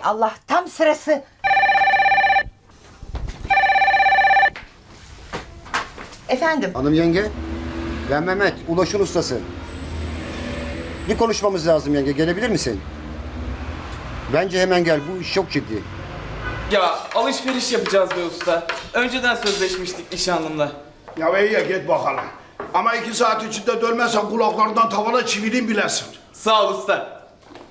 Allah, tam sırası. Efendim? Hanım yenge, ben Mehmet, Ulaş'ın ustası. Bir konuşmamız lazım yenge, gelebilir misin? Bence hemen gel, bu iş çok ciddi. Ya alışveriş yapacağız be usta. Önceden sözleşmiştik nişanlımla. Ya iyi ya git bakalım. Ama 2 saat içinde dönmezsen kulaklarından tavana çivileyim bilesin. Sağ ol usta.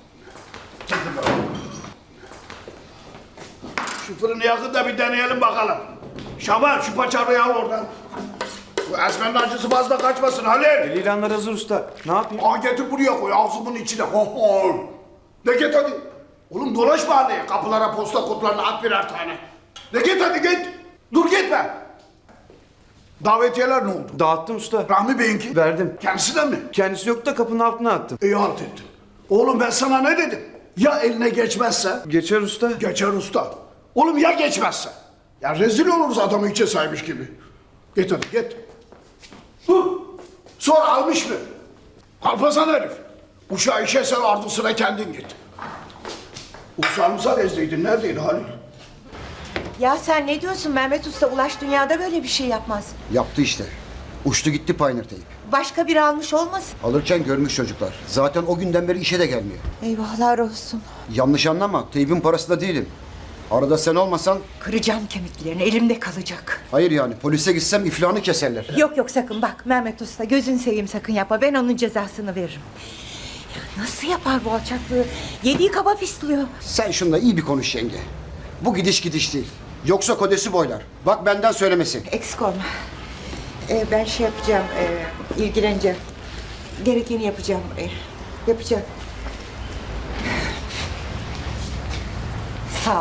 Şu fırını yakın da bir deneyelim bakalım. Şaban şu paçavrayı al oradan. Bu Esmer'in acısı fazla kaçmasın Halil. İlanlar hazır usta. Ne yapayım? Aa getir buraya koy ağzımın içine. Ho ho. De git hadi. Oğlum dolaş mahalleye. Kapılara posta kutularına at birer tane. De git hadi git. Dur gitme. Davetiyeler ne oldu? Dağıttım usta. Rahmi Bey'inki. Verdim. Kendisine mi? Kendisi yok da kapının altına attım. İyi halt ettin. Oğlum ben sana ne dedim? Ya eline geçmezse? Geçer usta. Geçer usta. Oğlum ya geçmezse? Ya rezil oluruz adamı içe saymış gibi. Git hadi git. Dur. Sor almış mı? Kalpasan herif. Uşağı işe sen ardısına kendin git. Uçağımıza nezleydin. Neredeydi Halil? Ya sen ne diyorsun Mehmet Usta? Ulaş dünyada böyle bir şey yapmaz. Yaptı işte. Uçtu gitti Pioneer Tape. Başka biri almış olmasın? Alırken görmüş çocuklar. Zaten o günden beri işe de gelmiyor. Eyvahlar olsun. Yanlış anlama, teybin parası da değilim. Arada sen olmasan, Kıracağım kemiklerini, elimde kalacak. hayır yani polise gitsem iflahını keserler. Yok yok, sakın bak Mehmet Usta, gözün seveyim, sakın yapma. Ben onun cezasını veririm. Ya nasıl yapar bu alçaklığı? Yediği kaba pisliyor. Sen şunla iyi bir konuş yenge. Bu gidiş gidiş değil. Yoksa kodesi boylar. Bak benden söylemesi. Eksik olma. Ben şey yapacağım, ilgileneceğim. Gerekeni yapacağım. Yapacağım. Sağ ol.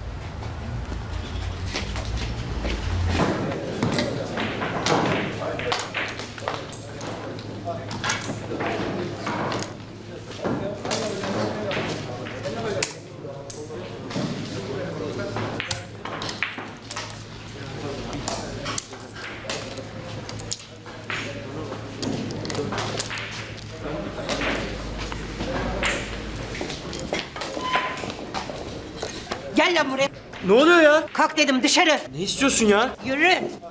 Gel lan buraya. Ne oluyor ya? Kalk dedim, dışarı. Ne istiyorsun ya? Yürü.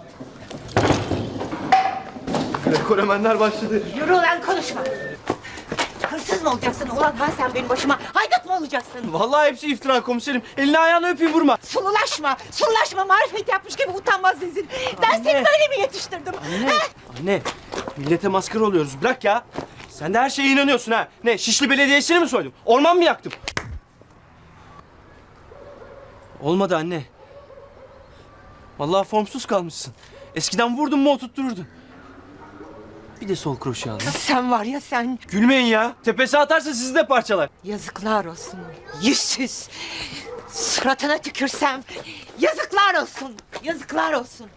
Rekoremenler başladı. Yürü lan, konuşma. Hırsız mı olacaksın ulan ha sen benim başıma? Haydut mu olacaksın? Vallahi hepsi iftira komiserim. Elini ayağını öpeyim vurma. Sululaşma, sululaşma. Marifet yapmış gibi utanmaz rezil. Ben seni böyle mi yetiştirdim? Anne. Anne. Millete maskara oluyoruz. Bırak ya. Sen de her şeye inanıyorsun ha. Ne? Şişli Belediyesi'ni mi soydum? Orman mı yaktım? Olmadı anne. Vallahi formsuz kalmışsın. Eskiden vurdun mu oturttururdun. Bir de sol kroşe al. Sen var ya sen. Gülmeyin ya. Tepesi atarsa sizi de parçalar. Yazıklar olsun. Yüzsüz. Suratına tükürsem yazıklar olsun. Yazıklar olsun.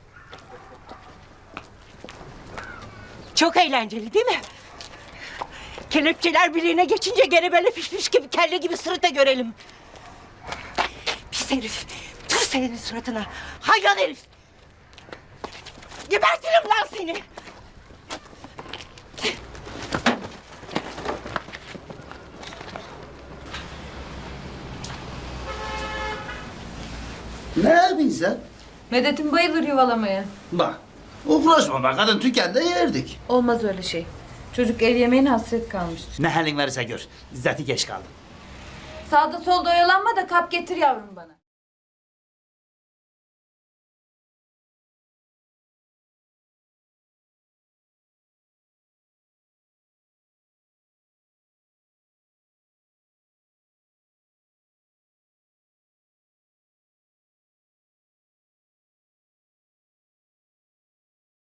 Çok eğlenceli değil mi? Kelepçeler bileğine geçince gene böyle pişmiş gibi, kelle gibi sırıta görelim. Pis herif. Tut senin suratına. Hayvan herif. Gebertirim lan seni. Ne yapıyorsun sen? Medet'in bayılır yuvalamaya. Bak, uğraşma bak, kadın tükende yerdik. Olmaz öyle şey. Çocuk ev yemeğine hasret kalmıştır. Ne halin varsa gör, zaten geç kaldım. Sağda solda oyalanma da kap getir yavrum bana.